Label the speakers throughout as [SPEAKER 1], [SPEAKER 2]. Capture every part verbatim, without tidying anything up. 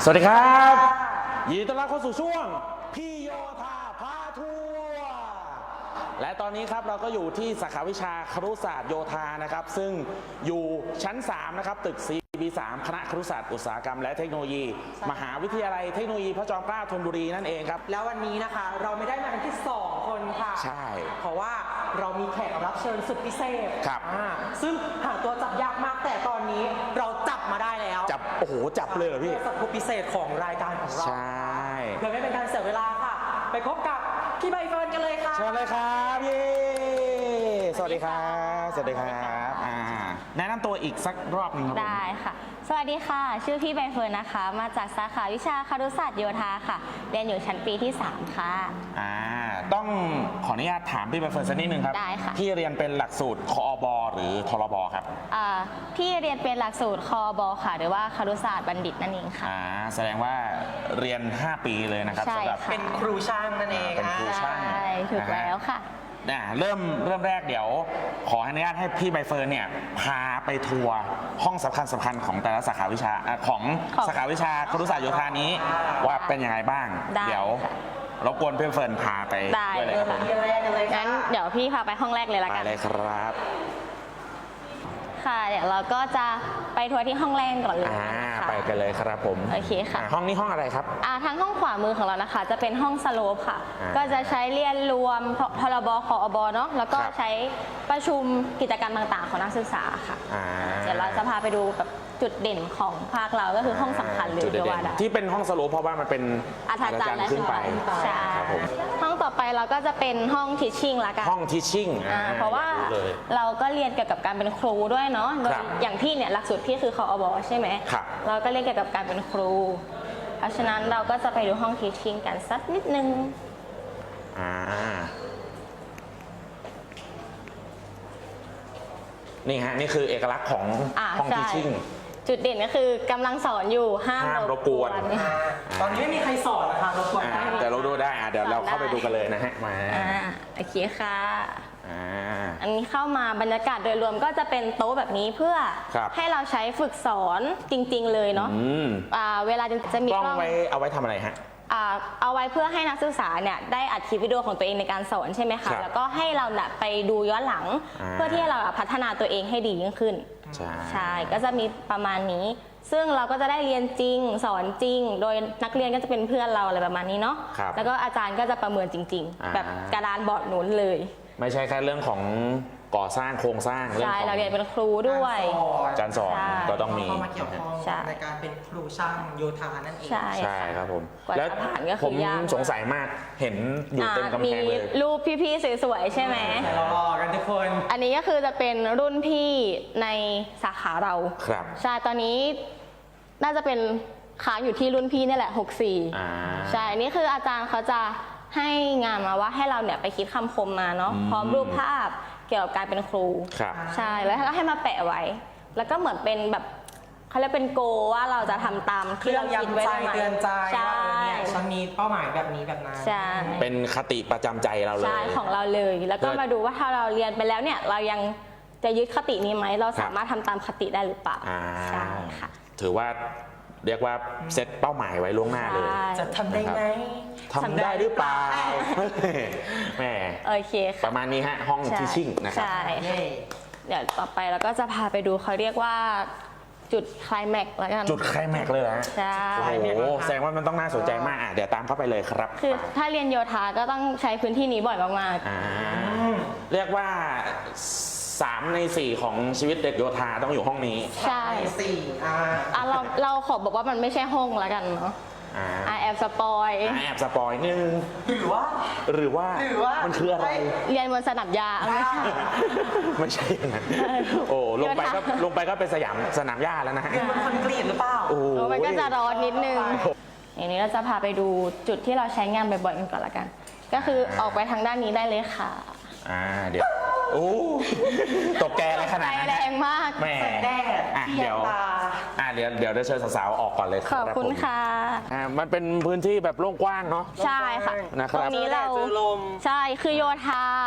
[SPEAKER 1] สวัสดีครับยินดีต้อนรับเข้าสู่ช่วงพี่โยธาพาทัวร์และตอนนี้ครับเราก็อยู่ที่สาขาวิชาครุศาสตร์โยธานะครับซึ่งอยู่ชั้นสามนะครับตึก ซี บี สาม คณะครุศาสตร์อุตสาหกรรมและเทคโนโลยีมหาวิทยาลัยเทคโนโลยีพระจอมเกล้าธนบุรีนั่นเองครับ
[SPEAKER 2] แล้ววันนี้นะคะเราไม่ได้มากันที่สองคนค่ะ
[SPEAKER 1] ใช่
[SPEAKER 2] เพราะว่าเรามีแขกรับเชิญสุดพิเศษ
[SPEAKER 1] ครับ
[SPEAKER 2] ซึ่งหาตัวจับยากมากแต่ตอนนี้เราจับมาได้แล้ว
[SPEAKER 1] จับโอ้โหจับเลยเหรอพี่
[SPEAKER 2] สัตว์พิเศษของรายการของเรา
[SPEAKER 1] ใช่
[SPEAKER 2] เพื่อไม่เป็นการเสียเวลาค่ะไปพบกับพี่ใบเฟิร์นกันเลยค่ะ
[SPEAKER 1] เชิญเลยครับเย้สวัสดีครับสวัสดีครับอ่าแนะนำตัวอีกสักรอบหนึ่งครับ
[SPEAKER 3] ได้ค่ะสวัสดีค่ะชื่อพี่ใบเฟิร์นนะคะมาจากสาขาวิชาครุศาสตร์โยธาค่ะเรียนอยู่ชั้นปีที่สามค่ะ
[SPEAKER 1] อ่าต้องขออนุญาตถามพี่ใบเฟิร์นสักนิดนึงครับ
[SPEAKER 3] ได้ค่ะ
[SPEAKER 1] พี่เรียนเป็นหลักสูตรคอบหรือทรบครับ
[SPEAKER 3] อ่าพี่เรียนเป็นหลักสูตรคอบค่ะหรือว่าครุศาสตร์บัณฑิตนั่นเองค่ะ
[SPEAKER 1] อ่าแสดงว่าเรียนห้าปีเลยนะครับสำหรับ
[SPEAKER 2] เป็นครูช่างนั่นเอง
[SPEAKER 1] เป็นครูช่าง
[SPEAKER 3] ใช่ถูกแล้วค่ะ
[SPEAKER 1] เริ่มเริ่มแรกเดี๋ยวขออนุญาตให้พี่ใบเฟิร์นเนี่ยพาไปทัวร์ห้องสำคัญสำคัญของแต่ละสาขาวิชาของสาขาวิชาครุศาสตร์โยธานี้ว่าเป็นยังไงบ้างเดี๋ยวรบกวนพี่เฟิร์นพาไปด้วยเลยครับผม
[SPEAKER 3] งั้นเดี๋ยวพี่พาไปห้องแรกเลยละกัน
[SPEAKER 1] ไปเลยครับ
[SPEAKER 3] ค่ะเดี๋ยวเราก็จะไปทัวร์ที่ห้องแรกก่อนเลย
[SPEAKER 1] ไปกันเลยครับผม
[SPEAKER 3] โอเคค่ะ
[SPEAKER 1] ห้องนี้ห้องอะไรครับ
[SPEAKER 3] อ่าทางห้องขวามือของเรานะคะจะเป็นห้องสโลปค่ะก็จะใช้เรียนรวมพรบคอบเนาะแล้วก็ใช้ประชุมกิจกรรมต่างๆของนักศึกษาค่ะเดี๋ยวเราจะพาไปดูแบบจุดเด่นของภาคเราก็คือห้องสำคัญเลย
[SPEAKER 1] เยว่าที่เป็นห้องสโลปเพราะว่ามันเป็น
[SPEAKER 3] อาจารย์
[SPEAKER 1] ขึ้นไป
[SPEAKER 3] ใช่
[SPEAKER 1] ครับผม
[SPEAKER 3] ห้องต่อไปเราก็จะเป็นห้องทิชชิ่งละกัน
[SPEAKER 1] ห้องทิชชิ่ง
[SPEAKER 3] เพราะว่าเราก็เรียนเกี่ยวกับการเป็นครูด้วยเนาะอย่างพี่เนี่ยหลักสูตรพี่คือคอบใช่ไหมเราก็เรียนเกี่ยวกับการเป็นครูเพราะฉะนั้นเราก็จะไปดูห้องทิชชิ่งกันสักนิดนึง
[SPEAKER 1] อ่านี่ฮะนี่คือเอกลักษณ์ของห้องทิชชิ่ง
[SPEAKER 3] จุดเด่นก็คือกำลังสอนอยู่ห้าม
[SPEAKER 1] รบกวน
[SPEAKER 2] ตอนนี้ไม่มีใครสอนนะคะรบกวน
[SPEAKER 1] แต่เราดูได้เดี๋ยวเราเข้าไปดูกันเลยนะฮะมา
[SPEAKER 3] โอเคค่ะอันนี้เข้ามาบรรยากาศโดยรวมก็จะเป็นโต๊ะแบบนี้เพื่อให้เราใช้ฝึกสอนจริงๆเลยเนาะเวลาจะมี
[SPEAKER 1] กล้องไว้เอาไว้ทำอะไรฮะ
[SPEAKER 3] เอาไว้เพื่อให้นักศึกษาเนี่ยได้อัดคลิปวิดีโอของตัวเองในการสอนใช่ไหมคะแล้วก็ให้เราเนี่ยไปดูย้อนหลังเพื่อที่เราพัฒนาตัวเองให้ดียิ่งขึ้นใช่ก็จะมีประมาณนี้ซึ่งเราก็จะได้เรียนจริงสอนจริงโดยนักเรียนก็จะเป็นเพื่อนเราอะไรประมาณนี้เนาะแล้วก็อาจารย์ก็จะประเมินจริงๆแบบกระดานบอร์ดหนุนเลย
[SPEAKER 1] ไม่ใช่แค่เรื่องของก่อสร้างโครงสร้าง
[SPEAKER 3] เรื่องของเราเรียนเป็นครูด้วย
[SPEAKER 1] การสอนก็ต้องมี
[SPEAKER 2] เข้ามาเกี่ยวข้องในการเป็นครูช่างโยธานั่นเอง
[SPEAKER 1] ใช่ครับผมแล้วผมสงสัยมากเห็นอยู่เต็มกำแพงเลย
[SPEAKER 3] รูปพี่ๆสวยๆใช่ไหม
[SPEAKER 2] รอกันทุกคน
[SPEAKER 3] อันนี้ก็คือจะเป็นรุ่นพี่ในสาขาเรา
[SPEAKER 1] ครับ
[SPEAKER 3] ใช่ตอนนี้น่าจะเป็นค้างอยู่ที่รุ่นพี่นี่แหละหกสิบสี่ใช่นี่คืออาจารย์เขาจะให้งานมาว่าให้เราเนี่ยไปคิดคำคมมาเนาะพร้อมรูปภาพเกี่ยวกับการเป็นครูใช่แล้วก็ให้มาแปะไว้แล้วก็เหมือนเป็นแบบเขาเรียกเป็นโกว่าเราจะทำตามที่เราคิดไว้
[SPEAKER 2] เตือนใจใช่ฉันมีเป้าหมายแบบนี้แบบนั้น
[SPEAKER 3] ใช่
[SPEAKER 1] เป็นคติประจำใจเราเลย
[SPEAKER 3] ใช่ของเราเลยแล้วก็มาดูว่าถ้าเราเรียนไปแล้วเนี่ยเรายังจะยึดคตินี้ไหมเราสามารถทำตามคติได้หรือเปล่าใช่ค่ะ
[SPEAKER 1] ถือว่าเรียกว่าเซตเป้าหมายไว้ล่วงหน้าเลย
[SPEAKER 2] จะทำได้ไหม
[SPEAKER 1] ทำได้หรือเปล่าแม่
[SPEAKER 3] โอเค
[SPEAKER 1] ประมาณนี้ฮะห้องทิชชิ่งนะครับ
[SPEAKER 3] ใช่เดี๋ยวต่อไปเราก็จะพาไปดูเขาเรียกว่าจุดไคลแม็กซ์แล้วกัน
[SPEAKER 1] จุดไคลแม็กซ์เลยฮะ
[SPEAKER 3] ใช่
[SPEAKER 1] โอ้โหแสดงว่ามันต้องน่าสนใจมากอ่ะเดี๋ยวตามเข้าไปเลยครับ
[SPEAKER 3] คือถ้าเรียนโยธาก็ต้องใช้พื้นที่นี้บ่อยมาก
[SPEAKER 1] ๆเรียกว่าสามในสี่ของชีวิตเด็กโยธาต้องอยู่ห้องนี้
[SPEAKER 3] ใช่
[SPEAKER 2] สี่
[SPEAKER 3] อ่าเราเราขอบอกว่ามันไม่ใช่ห้องแล้วกันเนาะอ่าแอบสปอย
[SPEAKER 1] แอบสปอยนึง
[SPEAKER 2] หรือว่า
[SPEAKER 1] หรือว่ามันคืออะไร
[SPEAKER 3] เรียนบนสนามหญ้าไม่ใช่
[SPEAKER 1] ไม่ใช่อย่างนั้นโอ้ลงไปก็ลงไปก็เป็นสยามสนามหญ้าแล้วนะ
[SPEAKER 2] เรียนบนคอนกรีตหรือเปล่า
[SPEAKER 3] โอ้มันก็จะร้อนนิดนึงอย่างนี้เราจะพาไปดูจุดที่เราใช้งานบ่อยๆกันก่อนละกันก็คือออกไปทางด้านนี้ได้เลยค่ะ
[SPEAKER 1] อ่าเดี๋ยวโอ้ตกแกอะไรขนาดนั้น
[SPEAKER 3] แรงมาก
[SPEAKER 1] แม่
[SPEAKER 2] แดด
[SPEAKER 1] อ่ะเดี๋ยวอ่ะเดี๋ยวเดี๋ยวได้เชิญสาวๆออกก่อนเลย
[SPEAKER 3] ขอบคุณค่ะ
[SPEAKER 1] อ่ามันเป็นพื้นที่แบบโล่งกว้างเนาะ
[SPEAKER 3] ใช่ค่ะ
[SPEAKER 1] นะครับ
[SPEAKER 3] ตรงนี้เราใช่คือโยธา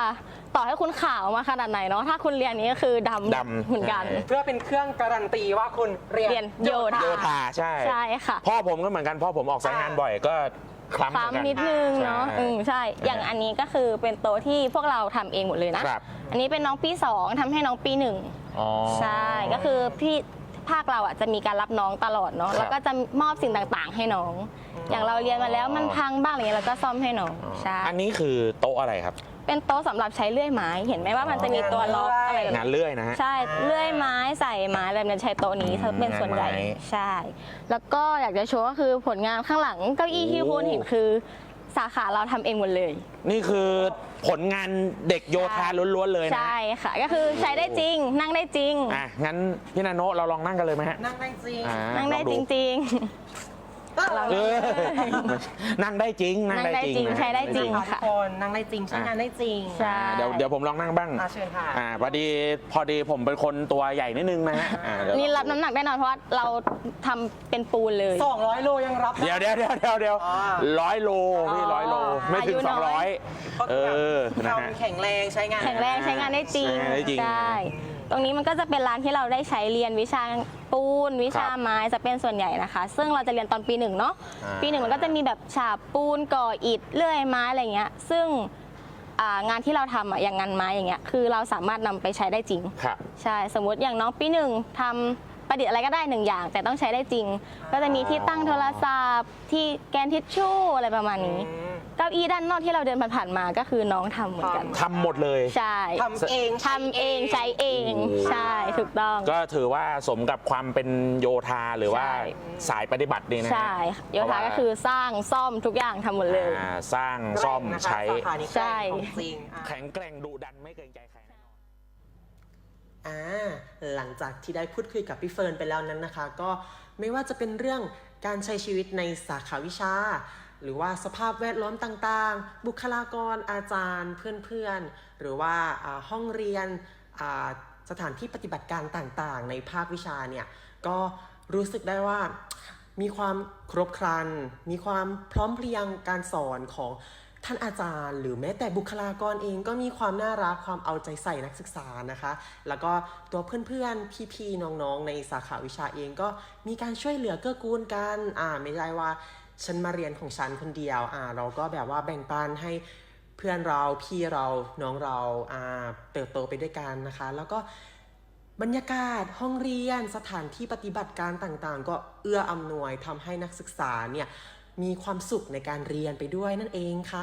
[SPEAKER 3] ต่อให้คุณขาวมาขนาดไหนเนาะถ้าคุณเรียนนี้ก็คือดำ
[SPEAKER 1] ดำ
[SPEAKER 3] เหมือนกัน
[SPEAKER 1] ใช่
[SPEAKER 2] เพื่อเป็นเครื่องการันตีว่าคุณเรียน
[SPEAKER 3] เรียนโยธา
[SPEAKER 1] โยธาใช่
[SPEAKER 3] ใช่ค่ะ
[SPEAKER 1] พ่อผมก็เหมือนกันพ่อผมออกสายงานบ่อยก็คล้ำเหมือนกัน
[SPEAKER 3] ฟ้านิดนึงเนาะ
[SPEAKER 1] ใช่
[SPEAKER 3] อืมใช่ อย่างอันนี้ก็คือเป็นโต๊ะที่พวกเราทำเองหมดเลยนะ
[SPEAKER 1] ครับ
[SPEAKER 3] อันนี้เป็นน้องปีสองทำให้น้องปีหนึ่ง
[SPEAKER 1] อ๋อ
[SPEAKER 3] ใช่ ก็คือพี่ภาคเราอ่ะจะมีการรับน้องตลอดเนาะ
[SPEAKER 1] ครับ
[SPEAKER 3] แล้วก็จะมอบสิ่งต่างๆ ให้น้อง อย่างเราเรียนมาแล้วมันพังบ้างอะไรเงี้ยเราก็ซ่อมให้น้อง ใช่
[SPEAKER 1] อันนี้คือโต๊ะอะไรครับ
[SPEAKER 3] เป็นโต๊ะสำหรับใช้เลื่อยไม้ เห็นไหมว่ามันจะมีตัวล็อกอะไรแบบ
[SPEAKER 1] งาน
[SPEAKER 3] นี้
[SPEAKER 1] เลื่อยนะฮะ
[SPEAKER 3] ใช่ เลื่อยไม้ใส่ไม้อะไรแบบนี้ใช้โต๊ะนี้
[SPEAKER 1] อืม
[SPEAKER 3] เป็นส่วนใหญ่
[SPEAKER 1] งานไม้
[SPEAKER 3] ใช่ แล้วก็อยากจะโชว์ก็คือผลงานข้างหลังเก้าอี้ที่คุณเห็นคือสาขาเราทำเองหมดเลย
[SPEAKER 1] นี่คือผลงานเด็กโยธาล้วนๆเลยนะ
[SPEAKER 3] ใช่ค่ะ ก็คือใช้ได้จริง นั่งได้จริง
[SPEAKER 1] อ่ะงั้นพี่นาโนเราลองนั่งกันเลยไหมฮะ
[SPEAKER 2] นั่งได้จริง
[SPEAKER 1] อ่า
[SPEAKER 3] นั่งได้
[SPEAKER 1] ลอ
[SPEAKER 3] จ
[SPEAKER 1] ดู
[SPEAKER 3] ริง
[SPEAKER 2] เรา
[SPEAKER 1] เออนั่งได้จริง
[SPEAKER 3] ๆ
[SPEAKER 1] นั่ง
[SPEAKER 3] นั่ง
[SPEAKER 1] ได้
[SPEAKER 3] ได้
[SPEAKER 1] จริง
[SPEAKER 3] จริง
[SPEAKER 1] นะ
[SPEAKER 3] ใช้ได้จริง
[SPEAKER 2] ทุก
[SPEAKER 3] ค่ะ
[SPEAKER 2] คนนั่งได้จริงใช้งานได้จริง
[SPEAKER 3] ใช่
[SPEAKER 1] อ่าเดี๋ยวเดี๋ยวผมลองนั่งบ้าง
[SPEAKER 2] อ่าเชิญค่ะ
[SPEAKER 1] อ่าพอดีพอดีผมเป็นคนตัวใหญ่นิดนึงนะฮะอ่าเดี๋ยว
[SPEAKER 3] นี่รับน้ำหนักแน่นอนเพราะว่าเราทำเป็นปูนเลย
[SPEAKER 2] สองร้อยโลยังรับได้
[SPEAKER 1] เดี๋ยวเดี๋ยวเดี๋ยวเดี๋ยวเดี๋ยว
[SPEAKER 2] อ๋อ
[SPEAKER 1] ร้อยโลพี่
[SPEAKER 3] อ๋อ
[SPEAKER 1] ร้อยโลไม่ถึง
[SPEAKER 3] อายุ
[SPEAKER 1] ส
[SPEAKER 3] น้
[SPEAKER 1] องร้
[SPEAKER 3] อ
[SPEAKER 1] อย ยเออนะฮะ
[SPEAKER 2] ทำแข็งแรงใช้งาน
[SPEAKER 3] แข็งแรงใช้งานได้จริง
[SPEAKER 1] ใช้งานได้จริง
[SPEAKER 3] ใช่ ตรงนี้มันก็จะเป็นร้านที่เราได้ใช้เรียนวิชาปูน วิชาไม้จะเป็นส่วนใหญ่นะคะ ซึ่งเราจะเรียนตอนปีหนึ่งเนาะ
[SPEAKER 1] อ่า
[SPEAKER 3] ปีหนึ่งมันก็จะมีแบบฉาบปูนก่ออิฐเลื่อยไม้อะไรเงี้ย ซึ่งอ่างานที่เราทำอะอย่างงานไม้อย่างเงี้ย คือเราสามารถนำไปใช้ได้จริง
[SPEAKER 1] ครับ
[SPEAKER 3] ใช่ สมมุติอย่างน้องปีหนึ่งทำประดิษฐ์อะไรก็ได้หนึ่งอย่าง แต่ต้องใช้ได้จริง ก็จะมีที่ตั้งโทรศัพท์ที่แกนทิชชู่อะไรประมาณนี้
[SPEAKER 2] อืม
[SPEAKER 3] เก้าอี้ด้านนอกที่เราเดินผ่านๆมาก็คือน้องทำเหมือนกัน
[SPEAKER 1] ทำหมดเลย
[SPEAKER 3] ใช่
[SPEAKER 2] ทำเอง
[SPEAKER 3] ทำเองใช้เอง
[SPEAKER 1] โอ้
[SPEAKER 3] ใช่ถูกต้อง
[SPEAKER 1] ก็ถือว่าสมกับความเป็นโยธาหรือว่า
[SPEAKER 3] ใช่
[SPEAKER 1] สายปฏิบัติดีนะฮะ
[SPEAKER 3] ใช่โยธาก็คือสร้างซ่อมทุกอย่างทำหมดเลย
[SPEAKER 1] อ่าสร้างซ่อม
[SPEAKER 2] แกร่งนะคะ
[SPEAKER 1] ใช้
[SPEAKER 2] สาขานี้แกร่งของจริงอ่ะ
[SPEAKER 1] แข็งแกร่งดุดันไม่เกรงใจใครแน่นอน
[SPEAKER 4] อ่าหลังจากที่ได้พูดคุยกับพี่เฟิร์นไปแล้วนั้นนะคะ ก็ไม่ว่าจะเป็นเรื่องการใช้ชีวิตในสาขาวิชา หรือว่าสภาพแวดล้อมต่างๆ บุคลากรอาจารย์เพื่อนๆ หรือว่าอ่าห้องเรียนอ่าสถานที่ปฏิบัติการต่างๆ ในภาควิชาเนี่ยก็รู้สึกได้ว่ามีความครบครัน มีความพร้อมเพรียงการสอนของท่านอาจารย์ หรือแม้แต่บุคลากรเองก็มีความน่ารักความเอาใจใส่นักศึกษานะคะ แล้วก็ตัวเพื่อนๆพี่ๆน้องๆในสาขาวิชาเองก็มีการช่วยเหลือเกื้อกูลกันอ่าไม่ใช่ว่าฉันมาเรียนของฉันคนเดียวอ่าเราก็แบบว่าแบ่งปันให้เพื่อนเราพี่เราน้องเราอ่าเติบโตไปด้วยกันนะคะ แล้วก็บรรยากาศห้องเรียนสถานที่ปฏิบัติการต่างๆ ก็เอื้ออำนวยทำให้นักศึกษาเนี่ยมีความสุขในการเรียนไปด้วยนั่นเองค่ะ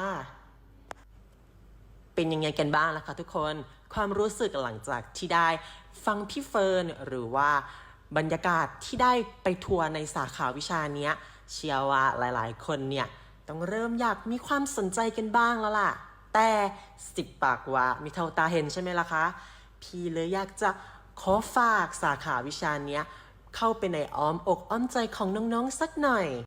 [SPEAKER 4] เป็นยังไงกันบ้างล่ะคะทุกคนความรู้สึกหลังจากที่ได้ฟังพี่เฟิร์นหรือว่าบรรยากาศที่ได้ไปทัวร์ในสาขาวิชาเนี้ยเชื่อว่าหลายๆ คนเนี่ยต้องเริ่มอยากมีความสนใจกันบ้างแล้วล่ะ แต่สิบปากว่ามีเท่าตาเห็นใช่ไหมล่ะคะพี่เลยอยากจะขอฝากสาขาวิชาเนี้ยเข้าไปในอ้อมอกอ้อมใจของน้องๆสักหน่อย